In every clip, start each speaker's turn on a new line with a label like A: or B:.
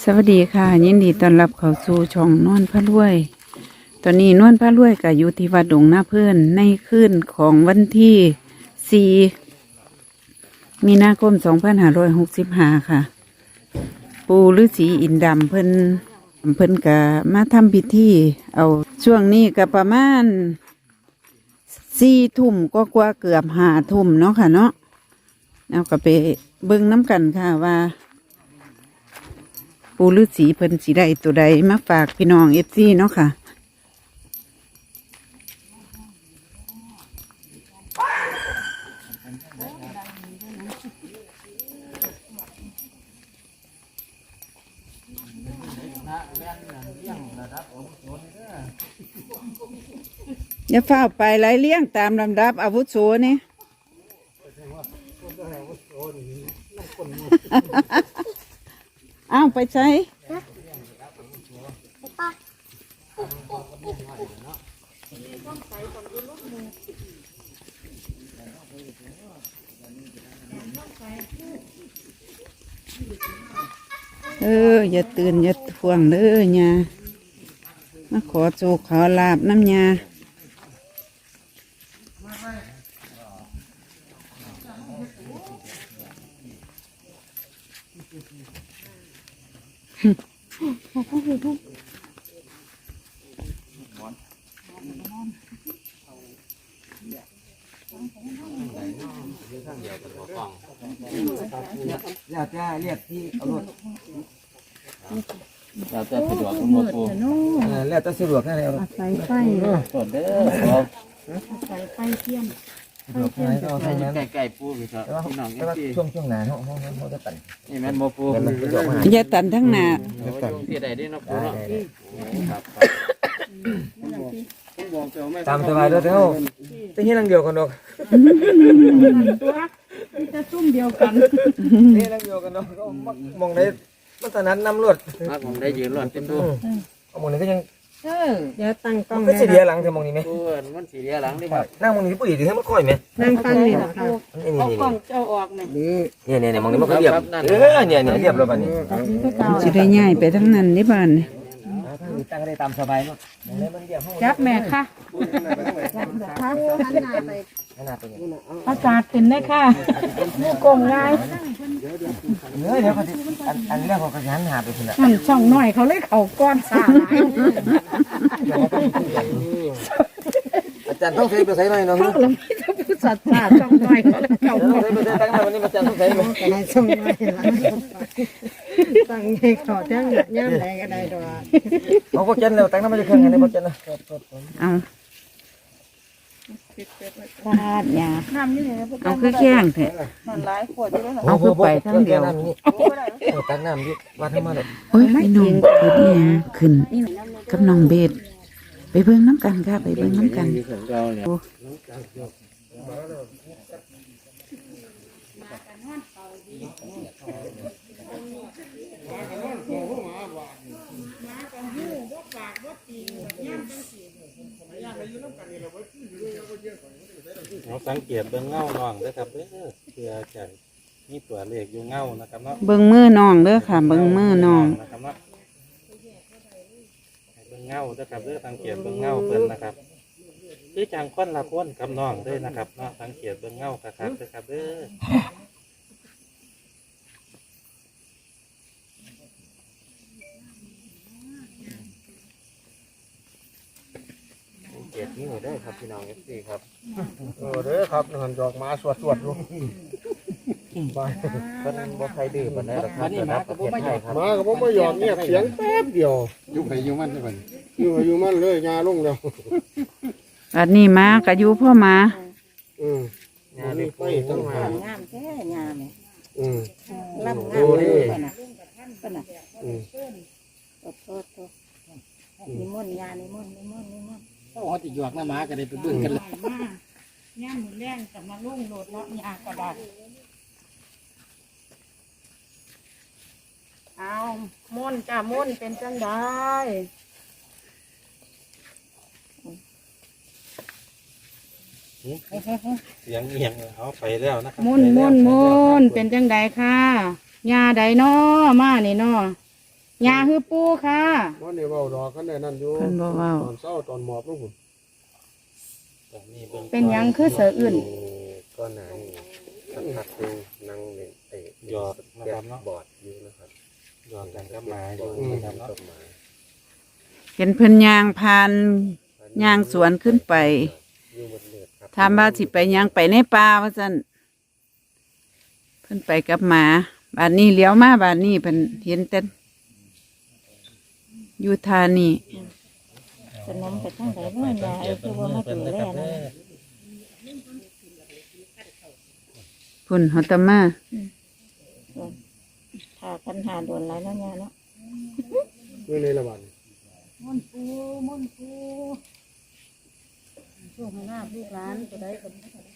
A: สวัสดีค่ะยินดีต้อนรับเข้าสู่ช่องนวลพระรวย ตอนนี้นวลพระรวยก็อยู่ที่วัดดงนาเพื่อนในคืนของวันที่4 มีนาคม 2565 ค่ะ ปู่ฤาษีอินดำเพิ่นก็มาทำพิธีเอาช่วงนี้ก็ประมาณ4 ทุ่มก็กว่าเกือบ5 ทุ่มเนาะค่ะเนาะเอาก็ไปเบิ่งน้ำกันค่ะว่าปู่ฤาษีเพิ่นสิได้ตัวใดมาฝากพี่น้องFCเนาะค่ะอย่าเฝ้าไปไล่เลี้ยงตามลำดับอาวุโสนี่ อ้าวไปใช้อย่าตื่นอย่าทวงเลยญามาขอโจกขอลาบน้ำญา
B: แล้วจะเรียกที่เอารถ
C: เราจะสะดวกหมดปู
B: แล้วจะสะดวกแค่ไหนเอารถ
A: ใส่ไฟ
C: สดเด้อครับ
A: ใส่ไฟเทียม
B: สะดวกแค่ไหนก็เอาแค่นั้น
C: ไก่ปูพี่ครับพี่น้อง
B: แต่ว่า
C: ที่
B: ช่วงหนาเขาจะตัด
C: นี่แม่นโมปู
B: มันสะดวกมาก
A: อย่าตันทั้งหน้า
C: ที่ใดได้เนาะปูเนาะครับ
B: ตามสบายด้วยเท่าจะให้นั่งเดียวกันดอก
A: ตัวจะซุ่มเดียวกัน
B: นี่นั่งเดียวกันดอกก็มองได้มันตอนนั้นนำรวด
C: ครับผมได้ยืนรอดเต็มตัว
B: มองนี้ก็ยัง
A: เดี๋ยวตั้งกล้อง
B: ก็สีเดียหลังเธอมองนี้ไหม
C: ปูมันสีเหลืองหลังนี่ครับ
B: นั่งมองนี้ปุ๋ยดีให้มันค่อยไหม
A: นั่งฟังนี่หรอคะ
B: นี่
A: กล้องเจ้าออกเนี่ย
B: เนี่ยมองนี้มันก็เรียบเนี่ยเรียบแล้วบ้านี้
A: จะได้ง่ายไปทั้งนั้นนี่บ้านนี่
B: ตั้งได้ตามสบายเนาะมันเรียบห้อง
A: จับแม่ค่ะ
B: ขนาดตัวนี้
A: อากาศเป็นได้ค่ะลูกกงง่าย
B: เดี๋ยวเขาจะอันแรกเขาก็ยันหาไปทีละ
A: มันช่องหน่อยเขาเลยเขาก้อนสา
B: อาจารย์ต้องใช้ไปใช้หน่อยเนาะ
A: ช่องลำพี่จะพูดสัตว์ช่องหน่อยเขาเลยเขา
B: ใช้ไปใช้ตั้งแต่วันนี้อาจารย์ต้องใช้ไหม
D: อะไรส่งมาตั้งให้ขอทั้งย่ำใดก็ได้ดอก
B: เขาก็เจนแล้วตั้งน้ำมันจะเครื่องกันในพวกเจนนะ
A: เอาพลาดยาเอาคือแข้งเถอะเอาคือไปทั้งเดียว
B: ตั้งน้ำดิวัดให้มาเลย
A: โอ้ยพี่น้องคือนี่ฮะขึ้นกับน้องเบสไปเบิ่งน้ำกันค่ะไปเบิ่งน้ำกัน
C: ของเราเนี่ย
E: เราสังเกตเบื้องเงาน้องนะครับเพื่อจะมีตัวเลขอยู่เงานะครับเนาะ
A: เบิ่งมือน้องเด้อค่ะเบิ่งมือน้อง
E: นะครับเนาะเบื้องเงานะครับสังเกตเบื้องเงาเพิ่นนะครับคือจังค้นละค้นกับน้องด้วยนะครับเนาะสังเกตเบื้องเงาครับนะครับ
C: เจ็ดนิ้วได้ครับพี่น้องที่ครับ
B: เด้อครับหันดอกมาสวดลูกไป
C: เพิ่นบ่ใครดื้อปานใดหรอกครับแต่รับประเทศไทยครับ
F: มาก็บ่ยอมเงียบเสียงแป๊บเดียว
E: อยู่ไปอยู่มันได้บ่
F: อยู่มันเลยงาลงแล้ว
A: อันนี้มาก็อยู่พ่อมา
C: งานนี้
F: ไปตั้งหาง
D: ามแท้งามเนี่ย
F: ลำ
D: ลำงามเลยป่ะนะป่ะนะโทษนิมนต์งานนิมนต์
C: ต้องเอาติหยวกหน้าม้าก็ได้ไปเบิ่งกันเลย
A: ย่ามมือแรงกับมาลุ่งโหลดเนาะยากระดาษ เอาม่นจ้าม่นเป็นจังได้
E: เสียงเอียงเอาไปแล้วนะครับ
A: ม่นม่นม่นเป็นจังใดค่ะยาใดน้อมานี่น้อ
D: ยาคือปูค่ะ
F: วันนี้เว้าดอกกันได้นั่นอยู่
A: เพิ่นบ่เว้า
F: ตอนเช้าตอนหมอบลงพุ่น
E: ตอนนี้เบิ่ง
D: เป็นหยังคือเสืออื่น
C: ก็ไหนสักพักหนึงนั่งเล่นเตะ
E: หยอกนะครับเนาะ
C: บอร์ดอยู่นะครับ
E: หยอกกันกับหมาอยู่
C: อืม
E: นะครับเนาะ
C: ต้นไม้
A: เห็นเพิ่นย่างผ่านย่างสวนขึ้นไป
C: อยู่บนเลือดครับ
A: ถามว่าสิไปย่างไปในป่าว่าซั่นเพิ่นไปกับหมาบาดนี้เลี้ยวมาบาดนี้เพิ่นเห็นแต่อยู่ทานี่
D: สนมไปทั้งไหนเนาะยาคือว่ามาดูแลนะ
A: พุ่นเฮาตะมา
D: ถ้าคันหาโดนไรแล้วยาเนาะ
F: เมื่อในละบัด
D: ม่อนปูช่วงให้หน้าลูกหลานตัวใดคน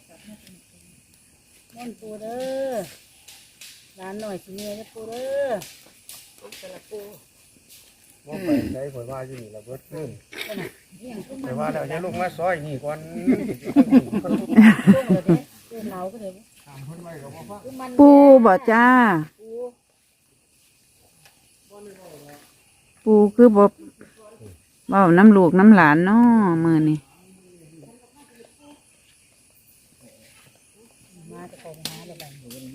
D: ม่อนปูเด้อหลานหน่อยสิเมียเด้อปูเด้อแต่ละปู
F: ว่าไปใช้ข่อยว่าอยู่นี่ละเบิดขึ้นแต่ว่าแล้วอย่าลงมาซอยนี่ก่อน
D: ช่วงเลยเด้ปูเหนาก็เลย
F: ถามเพิ่นไว้ก็บ่ฟัง
A: ปูบ่จ้า
D: ปู
A: ปูคือบ่เว้าน้ำลูกน้ำหลานเนาะมื้อนี้
D: มาจะไปหาเลยบัด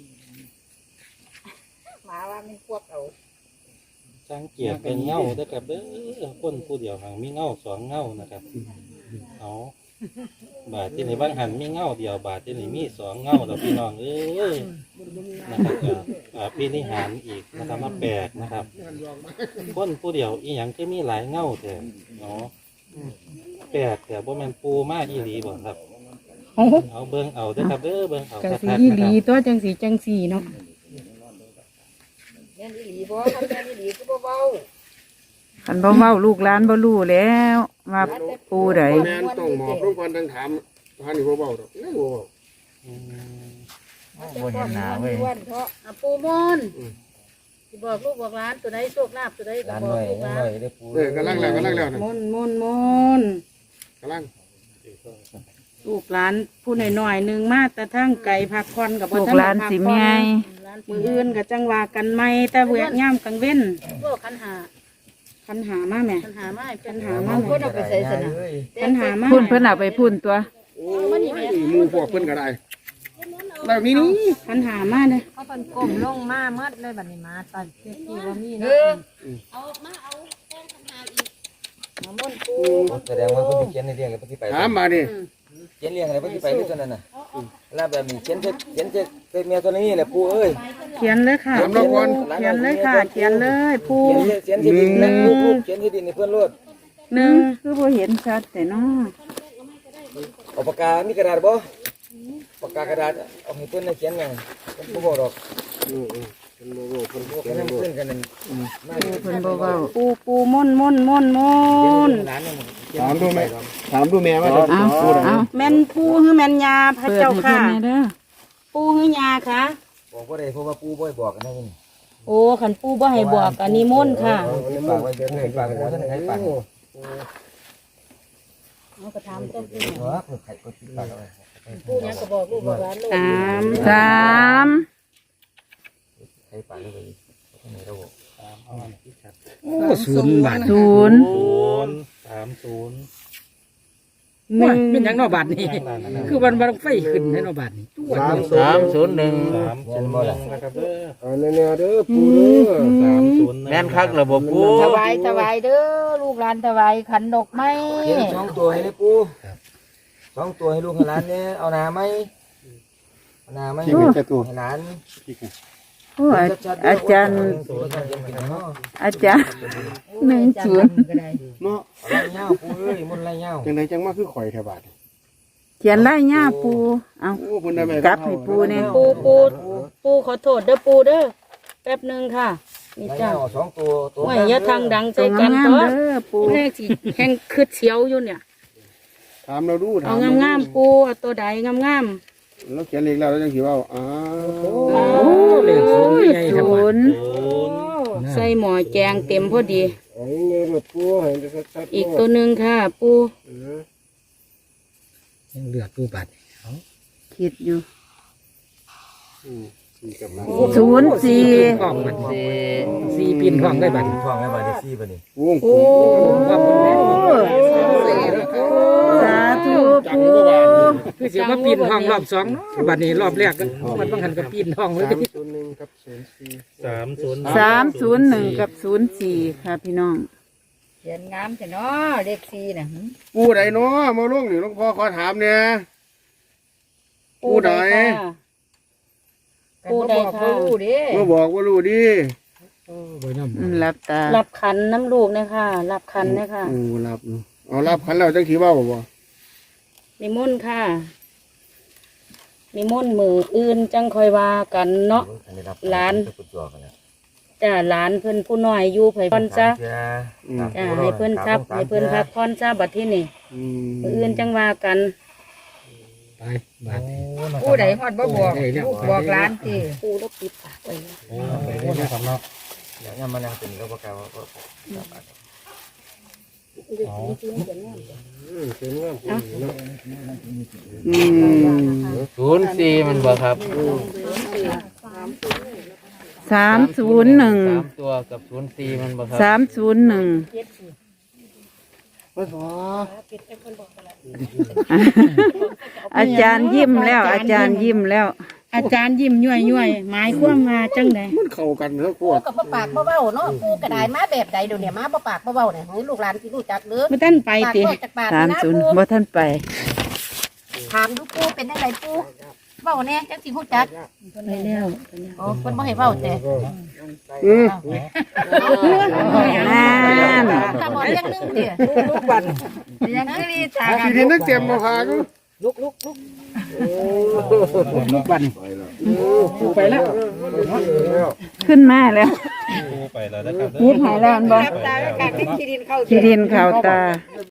D: มาว่ามันพวกเอา
E: สังเกตเป็นเงาเด้อครับเด้อคนผู้เดียวหางมีเงาสองเงานะครับเอาบาทที่ไหนบ้างหันมีเงาเดียวบาทที่ไหนมีสองเงาเราพี่น้องเอ้ยนะครับพี่นิหารอีกนะครับมาแปลกนะครับคนผู้เดียวอีหยังก็มีหลายเงาแต่เนาะแปลกแต่บ่แม่นปูมากอีหลีบ่ครับเอาเบิ่งเอาเด้อครับเด้อเบิ่งเอา
G: จัง
E: คั
G: สี
E: กๆ
G: อี
E: นะ
G: ห
E: ค
G: ลี
E: รับ
G: ตัวจังสีจังสีเนาะ
D: แม่นอีหลีบ่คันแม่นอีหลีคือบ่เว้า
A: คันบ่เว้าลูกหลานบ่รู้แล้วว่าปูใด
F: แม่นต้องหมอบลงก่อนทั้งถามหานี่บ่เว้าดอกนั่นบ่เว้า
E: อืม
C: บนเห็นหนาเว้ย
D: วันเพราะปูมอนสิบอกลูกบอกหลานตัวใดโชคลาภตัวใดก็
C: ร้าน
D: บ
C: ห
D: อก
C: น่อย
D: ลูกหลา
C: หน่
D: น
C: อยได้ปู
F: กำลังแล้วนะ
G: มนมนมน
F: กำลัง
G: ลูกหลานผู้น้อยๆหนึ่งมาแต่ทั้งไก่พักผ่อนกับบ่
A: ลูก
G: ทัน
A: หลาน
G: พัก
A: สิ
G: ผ่
A: แม่
G: อน
D: หลาน
G: มืออื่นกับจังว่ากันไม่แต่เวียย่ำกลางเว้น
D: พวกคันหา
G: คันหามาแม่
D: คันหามาให้เป็น
G: หามา
D: คนเอาไปใส่สนะ
G: คันหามา
A: พุ่นเพิ่นเอาไปพุ่นตัว
F: โอ้ยหมู่พวกเพิ่นก็ได้แล้วนี่นี่
G: คันหามาเลย
H: เขาเป็นกลมลงมาเมื่อเลยบัดนี้มาตอนที่ว่ามี
D: เอ
H: เนาะ
D: อมอนปู
C: แสดงว่าคุณเขียนในเรียงกับที่ไป
F: ถามมาดิ
C: เขียนเรียงอะไรที่ไปที่ตัวนั้นน่ะแล้วแบบนี้เขียนเป็นเมียตัวนี้แหละปูเอ้ย
G: เขียนเลยค่ะ
F: ถามเราก่อน
G: เขียนเลยค่ะ เขียนเลยผู้
C: เขียนที่ดินนะลูกเขียนที่ดินในเพื่อนรถ
G: หนึ่ง
A: คือบ่เห็นชัดแต่เนาะ
C: เอาปากกามีกระดาษบ่ปากกากระดาษเอาให้เพื่อนเขียนยังเป็นผู้บอกดอก
F: เพิ่นบ่เว้าเพิ่น
C: พวก
F: เขียน
C: นั้น
F: บ่
C: เพื่อนกันนั่นมา
A: เพิ่นบ่เว้า
G: ปูมนมนมนมน
C: ร้านนึง
F: ถามดูแม่ว่า
A: เอาเอา
G: แม่นปูหรือแม่นยาพระ
A: เปิด
G: เจ้า
A: ให้
G: ค่ะ
A: เพิ่นแหน่เด้อ
G: ปูหรือยาค่ะ
C: บอกว่าได้เพราะว่าปูบ่อยบอกกันนั่น
G: โอ้ขันปูบ่ให้บอกอันนี้มนต์ค่ะ
C: ฝากไว้เดินให้ฝากไว้ท่านให้ฝาก
D: เอากระถามต้นปู
C: หัวไข่ก็ติดปากเอาไว้
D: ปูยังก็บอกลูกบอกหลานลูก
G: สาม
A: สาม
C: ให้ฝากไว้ท่านให้เรา
E: ตามเอาอันที่ชัด
F: โอ้ศูนย์บาท
A: ศูนย์
E: 30
G: หนึ่ง
B: เป็นหยังนอกบาทนี่ คือวันบังไฟขึ้นในนอกบาทนี่
C: 301
E: 301นะครับเด้อ
F: เอาแน่ๆเด้อปู่เด้อ
E: 301
C: แม่นคักระบบปู
D: ถวายเด้อลูกหลานถวายขันดอกไม้
C: เขียน2ตัวให้ได้ปู2ตัวให้ลูกให้หลานเนี่ยเอาหนาไหมเอาหนาไหม
F: ที่เป็นแค่ตัว
C: ให้หลาน
A: โอ้อาจารย์อาจารย์10
F: เนาะ
C: ไรเงาปูเอ้ยมุนไรเงา
F: จังไดจังมาคือข่อยแถวบาท
A: เขียนลายหญ้าปูเอา
F: โอ้เพิ่นได้ไหม
A: กลับให้ปูเนี่ย
G: ปูขอโทษเด้อปูเด้อแป๊บหนึ่งค่ะนี่
C: ไร
G: จ้า
C: เงา2ตัวตัว
G: ว่าอย่าทางดังใจ
A: ตัว
G: กัน
A: งาม
G: ตัว
A: ๆเด้อปู
G: แห้งสิแห้งคืดเสียวอยู่เนี่ย
F: ถามเราดูถา
G: เอา
F: ม
G: งามๆปูเอาตัวใดงาม
F: เราเขียนเลขแล้วเราจังสิเว้าอ้า
G: ๆ
F: ว
B: โอ้เลขศูนย์ใหญ่ทั้งหม
A: ศู
B: ด
A: นย์
G: ใส่หมอแจงเต็มพอดี
F: เอาเงินมาปู่ให้ได้ชัดๆ
G: อีกตัวหนึ่งค่ะ ปู
B: ยังเหลือปูบาท
A: คิดอยู่ 04
C: ห้องมันสี่ปีนห้องได้บัดห้องได้บัดได้สี่บัดนี้
B: วง
A: โอ้สาธุปู
C: คือเสียมาปีนห้องรอบสองบัดนี้รอบแรกก็มันต้องหันกับปีนห้องเลย
F: 301กับ04
E: 301
A: 301กับ04ค่ะพี่น้อง
D: เขียนงามแต่เนาะเลขสี่น่ะ
B: ปูใดเนาะมาลงนี่หลวงพ่อขอถามเนี่ยปูใด
D: ปูใดค่ะรู้เด้
B: มาบอกว่ารู้ดิ
A: รับตา
G: รับขันน้ำลูกนะคะรับขันนะคะ
B: โอ้รับเนาะเอารับขันแล้วจังสิเว้าบ่
G: นิมนต์ค่ะนิมนต์มืออื่นจังคอยว่ากันเนาะหลานจ้าหลานเพิ่นผู้น้อยอยู่ไผพรจ้าจ้าให้เพิ่นครับให้เพิ่นพักพรจ้าบัดที่นี่
B: อืม
G: มืออื่นจังว่ากัน
C: ไปบัดนี้
D: ปูใดฮอดบ่บอกลูกบอกหลานติ
G: ปูแล้วปิดปากไว้
E: โอ้ไปเรื่อยๆครับเนาะ
C: เดี๋ยวมานั่งเป็นก็ประกาศว่า
E: เอา
B: อืม
C: 04มันบ่ครับ
A: 301
C: ตัวกับ04มันบ่ครับ
A: 301
B: มาขอ
A: อาจารย์ยิ้มแล้ว อาจารย์ยิ้มแล้ว
G: อาจารย์ยิ้มย่อยๆหมายความว่าจังได
B: มันเข้ากันเถอะโค
I: ปู
B: ตร
I: กับบ่ปากบ่เว้าเนาะปูกระไดมาแบบใดเดี๋ยวนี้มาบ่ปากบ่เว้าเนี่ยให้ลูกหลานสิรู้จักเด้อ
G: บ่ทันไป
I: ปาก
G: ติ
I: แค่จากปากนี่นะปู
A: 30บ่ท่านไป
I: ถามดูปูเป็นจังไดปูเว้าแน่จังสิรู้จัก
G: ไปแล้ว
I: โอ้เพิ่นบ่ให้เว้าแต่
B: อืม
A: นั่น
I: ถ้าบ่เรื่องนึงเด้อ
D: ลูกบันยังคือดีจ้า
B: ทีนี้นักเตรียมมาพากู
C: ไปแล้ว
A: ขึ้นมาแล้ว
E: ปูไปแล้วนะครับเด้อ
A: ยิบหายแล้วอันบ่
D: ตาก็กางที่ดินเข้า
A: ที่ดินข่าวตา